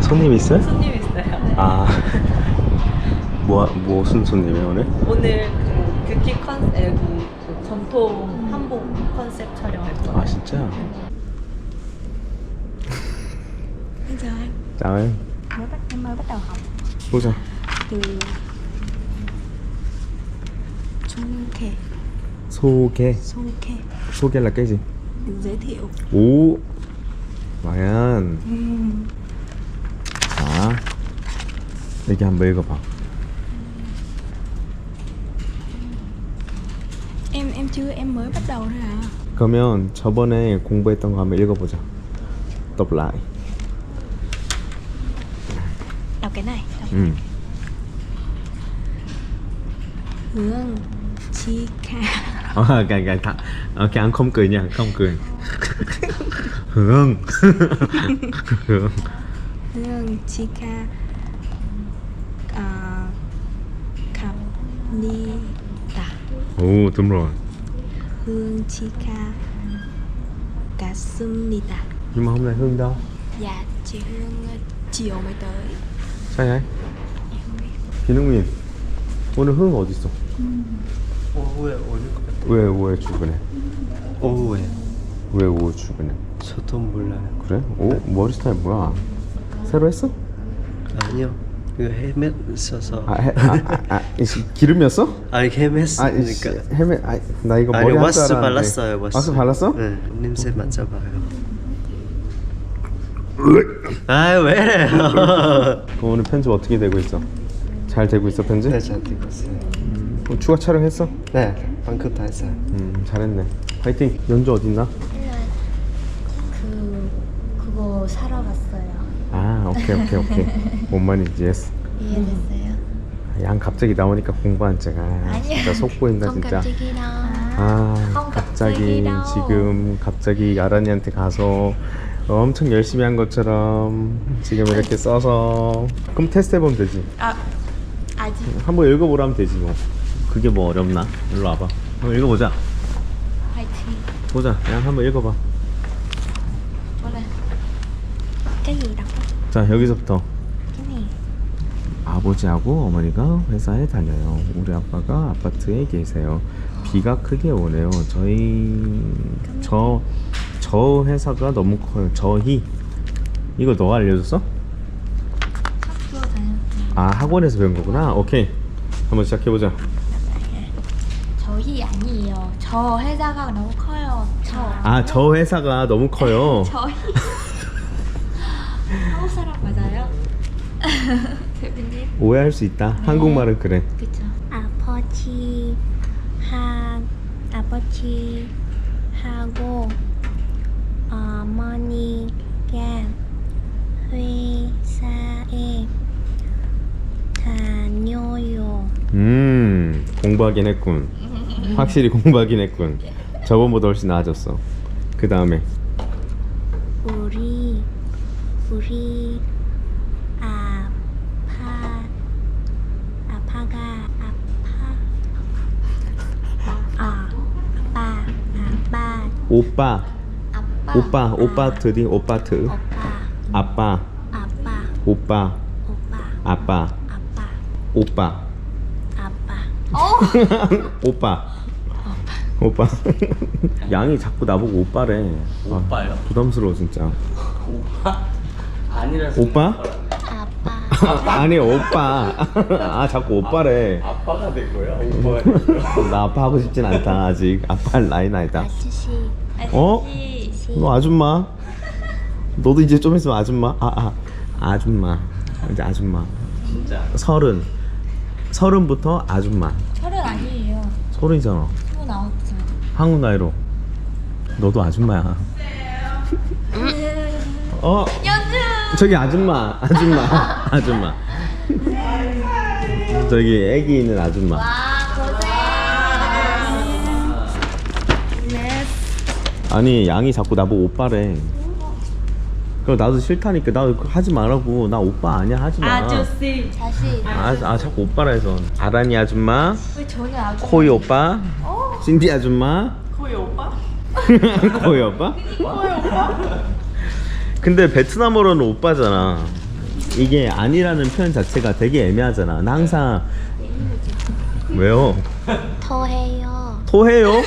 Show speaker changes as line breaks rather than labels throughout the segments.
손님 있어요?
손님 있어요.
아 무슨 손님이에요 오늘?
오늘 그 뷰티 컨셉, 그 전통 한복 컨셉 촬영할 거예요.
아 진짜?
Bây giờ anh
chào em.
em mới bắt đầu học
보자.
từ Trung Khe
소개.
Khe
소개 là cái gì?
được giới thiệu.
오 마얀. 자 여기 한번 읽어봐.
Em chưa, em mới bắt đầu thôi à.
그러면 저번에 공부했던 거 한번 읽어보자. đọc lại.
Đọc cái này. Đọc. Hương Chi Kha.
anh không cười nha, không cười. Hương. Hương.
Hương Chi Kha Khắp Ni Tả.
오 đúng rồi.
Hương Chi Kha Cả Sum Ni Tả.
Nhưng mà hôm nay Hương đâu?
Dạ chị Hương chiều mới tới.
sao vậy?
Em không biết.
기능민 오늘 흥 어디 있어?
오후에 오늘 것 같아.
왜 출근해?
오후에
왜 오후 출근해?
저도 몰라요.
그래? 오 머리 스타일 뭐야? 새로 했어?
아니요. 이거 헬멧 써서.
기름이었어?
아니 헬멧으니까.
헤매 나 이거
아니
머리 할
왁스
줄 알았는데.
발랐어요.
왁스 발랐어?
네. 냄새 맡아봐요. 아 왜 이래요?
그럼 오늘 편집 어떻게 되고 있어? 잘 되고 있어 편집?
네, 잘 되고 있어요.
추가 촬영했어?
네, 방금 다 했어요.
잘했네. 파이팅. 연주 어딨나?
그거 사러 갔어요.
아 오케이. 뭔 말인지 이해했어.
이해됐어요?
양 갑자기 나오니까 공부한 척. 진짜 속 보인다
không
진짜.
갑자기 đâu.
아 갑자기 지금 갑자기 아란이한테 가서 엄청 열심히 한 것처럼 지금 이렇게 써서 그럼 테스트 해보면 되지.
아직
한번 읽어보라면 되지 뭐. 그게 뭐 어렵나? 일로 와봐. 한번 읽어보자.
화이팅.
보자. 양 한번 읽어봐.
뭐래? cái gì đọc đó?
자 여기서부터.
cái này.
아버지하고 어머니가 회사에 다녀요. 우리 아빠가 아파트에 계세요. 비가 크게 오네요. 저 회사가 너무 커요. 저희 이거 너가 알려줬어?
학교 다녔어요.
아 학원에서 배운 거구나. 오케이 한번 시작해보자.
저희 아니에요. 저 회사가 너무 커요.
저 회사가 너무 커요.
저희 한국 사람 맞아요? 대표님.
오해할 수 있다. 한국말은 그래.
그쵸. 아버지하고 어머니가 회사에 다녀요.
공부하긴 했군. 확실히 공부하긴 했군. 저번보다 훨씬 나아졌어. 그 다음에
우리
오빠 드디 오빠 드 아빠 오빠 아빠 오빠 오빠 양이 자꾸 나보고 오빠래.
오빠요?
부담스러워 진짜.
오빠? 아니라서.
오빠? 아니 오빠. 자꾸 오빠래.
아빠가 된 거야? 오빠가 된 거야?
나 아빠 하고 싶진 않다. 아직 아빠 할 나이는 아니다.
아저씨.
어? 너 아줌마? 너도 이제 좀 있으면 아줌마? 아줌마. 이제 아줌마.
진짜.
서른부터 아줌마.
서른 아니에요.
서른이잖아.
29살.
한국 나이로. 너도 아줌마야. 저기 아줌마. 저기 애기 있는 아줌마. 아니 양이 자꾸 나보고 오빠래. 그럼 나도 싫다니까. 나 하지 말라고. 나 오빠 아니야 하지 마.
아저씨.
자신.
자꾸 오빠라 해서. 아란이 아줌마,
왜 전혀 아주.
코이 오빠, 신디 아줌마.
거의 오빠?
코이 오빠? 근데 베트남어로는 오빠잖아. 이게 아니라는 표현 자체가 되게 애매하잖아. 나 항상 왜요?
토해요.
토해요?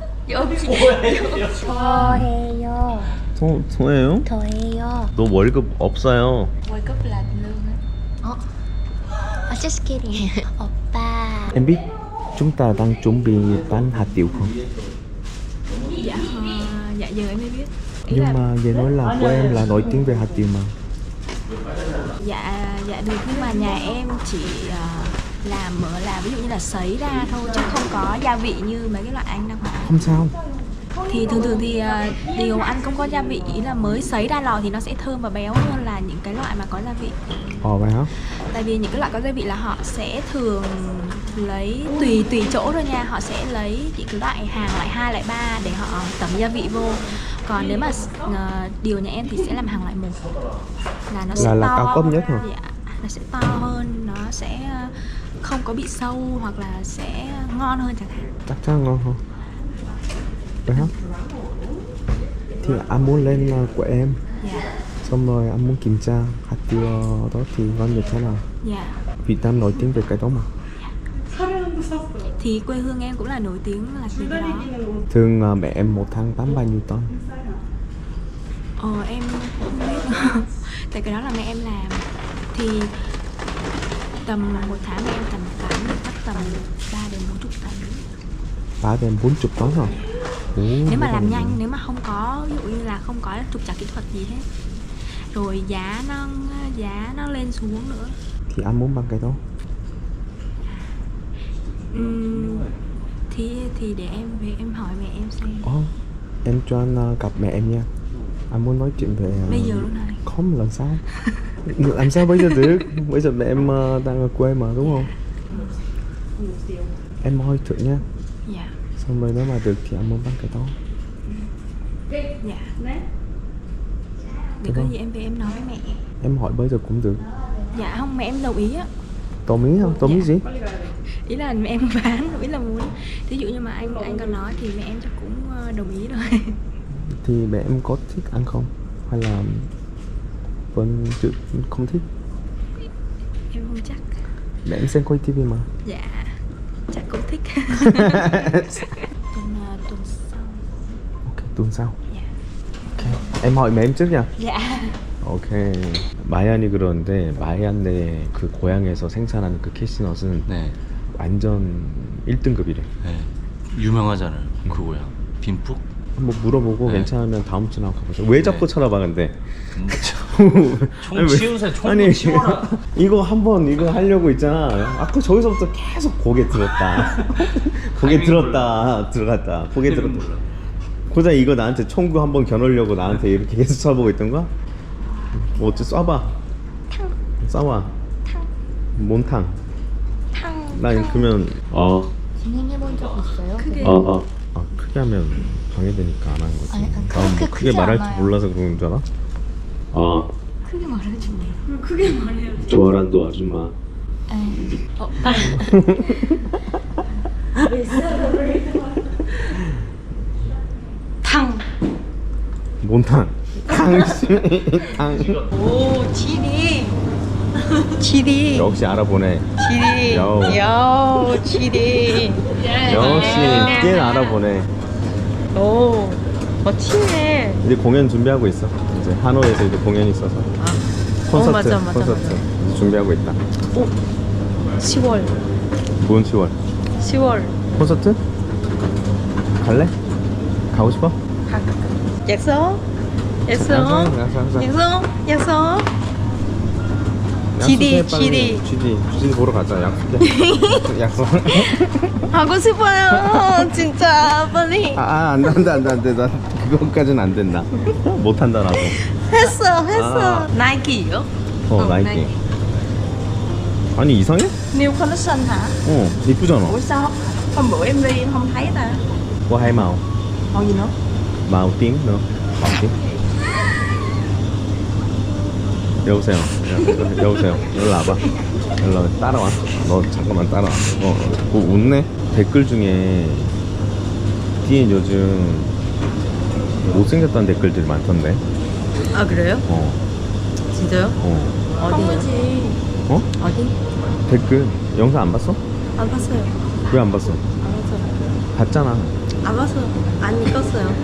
토해요.
토해요?
토해요.
너 월급 없어요.
월급 là lương á.
Just kidding. 오빠.
Em biết chúng ta đang chuẩn bị bán hạt điều không?
Dạ dạ giờ em mới biết. Ý
Nhưng
là
mà về nói là của em là nổi tiếng về hạt điều mà.
dạ được, nhưng mà nhà em chỉ làm ví dụ như là sấy ra thôi chứ không có gia vị như mấy cái loại anh đâu.
Không sao.
Thì thường thì điều ăn không có gia vị, ý là mới sấy ra lò thì nó sẽ thơm và béo hơn là những cái loại mà có gia vị.
Ồ vậy hả?
Tại vì những cái loại có gia vị là họ sẽ thường lấy tùy chỗ thôi nha, họ sẽ lấy những cái loại hàng loại 2, loại 3 để họ tẩm gia vị vô. Còn nếu mà điều nhà em thì sẽ làm hàng loại 1 là nó sẽ
Là
to,
cao cấp nhất hả?
dạ, nó sẽ to hơn, nó sẽ không có bị sâu hoặc là sẽ ngon hơn chẳng hạn.
Chắc chắn ngon không? Vậy hả? Thì anh muốn lên của em.
Dạ,
Xong rồi anh muốn kiểm tra hạt tiêu đó thì ngon như thế nào.
dạ.
Việt Nam nổi tiếng về cái đó mà.
Thì quê hương em cũng là nổi tiếng là về cái đó.
Thường mẹ em một tháng bán bao nhiêu tấn?
Em không biết. Tại cái đó là mẹ em làm. Thì tầm một tháng mẹ em tầm bán được chắc tầm 3 đến 40 tấn.
3 đến 40 tấn hả? Ồ,
Nếu mà làm
rồi.
nhanh, nếu mà không có, ví dụ như là không có trục trặc kỹ thuật gì hết. Rồi giá nó lên xuống nữa.
Thì anh muốn bán cái đó.
Thì để em về em hỏi mẹ em xem.
Em cho anh gặp mẹ em nha. Anh muốn nói chuyện về...
Bây giờ luôn này.
Không, làm sao? Làm sao bây giờ được? Bây giờ mẹ em đang ở quê mà, đúng không? Em hỏi thử nha.
Dạ.
Xong rồi nếu mà được thì anh muốn bán cái đó.
Dạ. Để có gì em về em nói với mẹ.
Em hỏi bây giờ cũng được.
Dạ không, mẹ em đồng ý á.
Đồng ý không? Đồng ý gì?
Ý là mẹ em bán, ý là muốn. Thí dụ như mà anh còn nói thì mẹ em chắc cũng đồng ý rồi.
Thì mẹ em có thích ăn không? Hay là vẫn chưa không thích?
Em không chắc.
Mẹ em xem coi tivi mà.
Dạ, chắc cũng thích. Tuần sau.
Ok, tuần sau.
Dạ.
Ok. Em hỏi mẹ em trước nha.
Dạ.
오케이. 마얀이 그러는데 마얀의 그 고향에서 생산하는 그 캐시넛은
네.
완전 1등급이래.
네. 유명하잖아요. 그 고향. 빈푹?
한번 물어보고
네.
괜찮으면 다음 주나 가보자. 왜 자꾸
네.
쳐다봐 근데?
총
아니, 왜-
치우세요. 총
아니
치워라.
이거 한번 이거 하려고 있잖아. 아까 저기서부터 계속 고개 들었다. 고개 들었다 들어갔다. 고개 들었다. 고작 이거 나한테 총구 한번 겨누려고 나한테 이렇게 계속 쳐보고 있던 거야? 뭐 어째 쏴봐. 쏴봐. 몬탕. 난 그러면
진행해본 적 있어요?
크게.
크게 하면 방해되니까 안 하는 거지.
아니,
난 뭐 크게
크지
말할 줄
않아요.
몰라서 그런 줄 알아?
크게 말해주네. 크게 말해요.
조아란도 아줌마.
탕.
몬탕. 탕.
오, 지리. 지리.
역시 알아보네.
지리.
요.
지리.
역시 꽤 알아보네.
오, 멋지네.
이제 공연 준비하고 있어. 이제 하노이에서 이제 공연이 있어서. 콘서트.
맞아.
콘서트. 이제 준비하고 있다.
10월.
뭔 10월?
10월.
콘서트? 갈래? 가고 싶어?
약속? 약속? 약속?
약속해, 빨리.
GD.
GD 보러 가자. 약속해. 약속.
하고 싶어요. 진짜 빨리.
안 돼. 나 그거까지는 안 된다. 못 한다 나도.
했어. 나이키요?
나이키. 아니 이상해?
New collection hả?
이쁘잖아.
Ủa sao hôm bữa em đi em không thấy ta?
뭐 hai màu?
Màu gì nữa?
màu tím nữa. màu tím. 여보세요. 여보세요. 일로 와봐. 일로 따라와. 너 잠깐만 따라와. 뭐 웃네? 댓글 중에 디엔 요즘 못생겼다는 댓글들이 많던데.
아 그래요?
어.
진짜요?
어.
어디요?
어?
어디?
댓글 영상 안 봤어?
안 봤어요.
왜 안 봤어?
안 봤어요.
봤잖아.
안 봤어요. 안 읽었어요.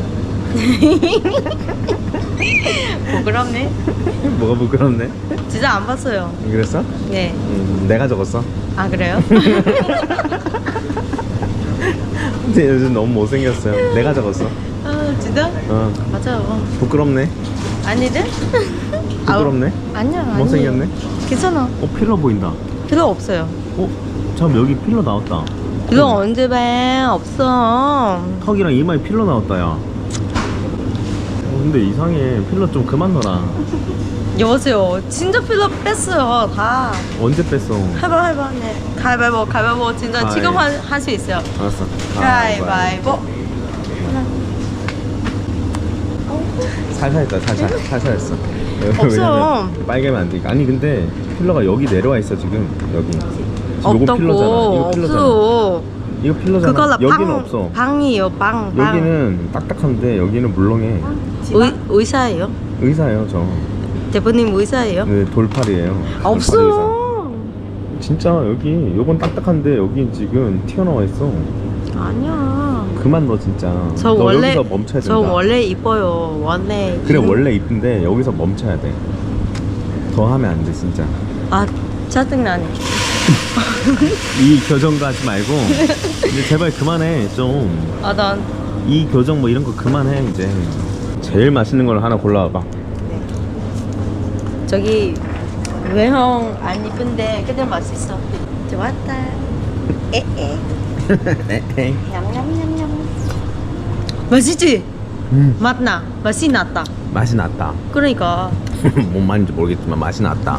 부끄럽네.
뭐가 부끄럽네?
진짜 안 봤어요.
그랬어?
네.
내가 적었어.
아 그래요?
근데 요즘 너무 못생겼어요. 내가 적었어.
아 진짜?
어.
맞아요.
부끄럽네.
아니든?
부끄럽네.
아니야.
못생겼네.
괜찮아.
필러 보인다.
필요 없어요.
잠 여기 필러 나왔다.
그거 언제 봐? 없어.
턱이랑 이마에 필러 나왔다 야. 근데 이상해. 필러 좀 그만 넣어라.
여보세요. 진짜 필요 뺐어요. 다.
언제 뺐어?
해봐. 네. 가위바위보. 진짜
가위.
지금 할 수 있어요.
알았어.
가위바위보.
살살 했다. 살살 했어.
없어요.
왜냐면 빨개면 안 되니까. 아니 근데 필러가 여기 내려와 있어 지금. 여기. 지금 요거
없다고.
필러잖아. 이거 필러잖아.
없어.
이거 필러잖아.
그걸로
여기는
방,
없어.
방이에요. 방.
여기는 딱딱한데 여기는 물렁해.
의사예요?
의사예요 저.
대표님 의사예요?
네, 돌팔이에요. 돌팔 의사.
없어.
진짜 여기 요건 딱딱한데 여기 지금 튀어나와 있어.
아니야.
그만 넣어 진짜.
저
너
원래
여기서 멈춰야 된다.
저 원래 이뻐요. 원래.
그래 원래 이쁜데 여기서 멈춰야 돼. 더 하면 안 돼 진짜.
아 짜증나네.
이 교정도 하지 말고 이제 제발 그만해 좀.
아 난
이 교정 뭐 이런 거 그만해 이제. 제일 맛있는 걸 하나 골라와봐.
저기 외형 안 이쁜데 근데 맛있어. 좋았다. 에에. 냠냠냠냠. 맛있지? 맛나. 맛이 났다.
맛이 났다.
그러니까.
뭔 말인지 모르겠지만 맛이 났다.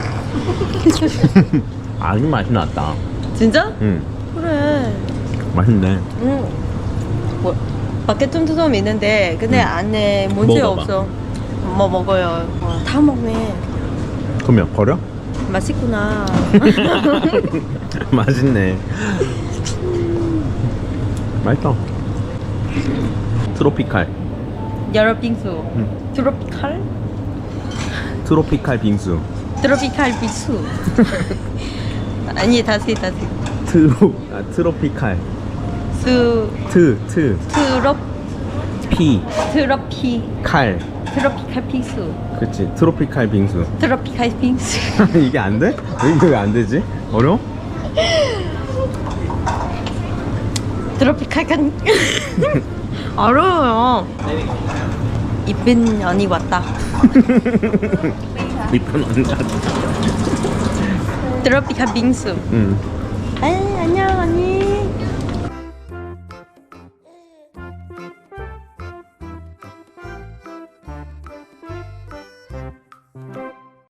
아주 맛이 났다.
진짜?
응.
그래.
맛있네.
응. 뭐, 밖에 tumtumtum 있는데 근데 안에 문제
먹어봐.
없어. 뭐 먹어요. 다 먹네.
그러면 버려?
맛있구나.
맛있네. 맛있다. 트로피칼.
여러 빙수. 트로피칼?
트로피칼 빙수.
트로피칼 빙수. 아니 다시.
트로피칼.
수
피.
트로피칼 빙수.
그치. 트로피칼 빙수.
트로피칼 빙수.
이게 안 돼? 이게 왜 안 되지? 어려워?
트로피칼 간. 어려워요. 이쁜 언니 왔다.
이쁜 언니.
트로피칼 빙수.
응.
아 안녕.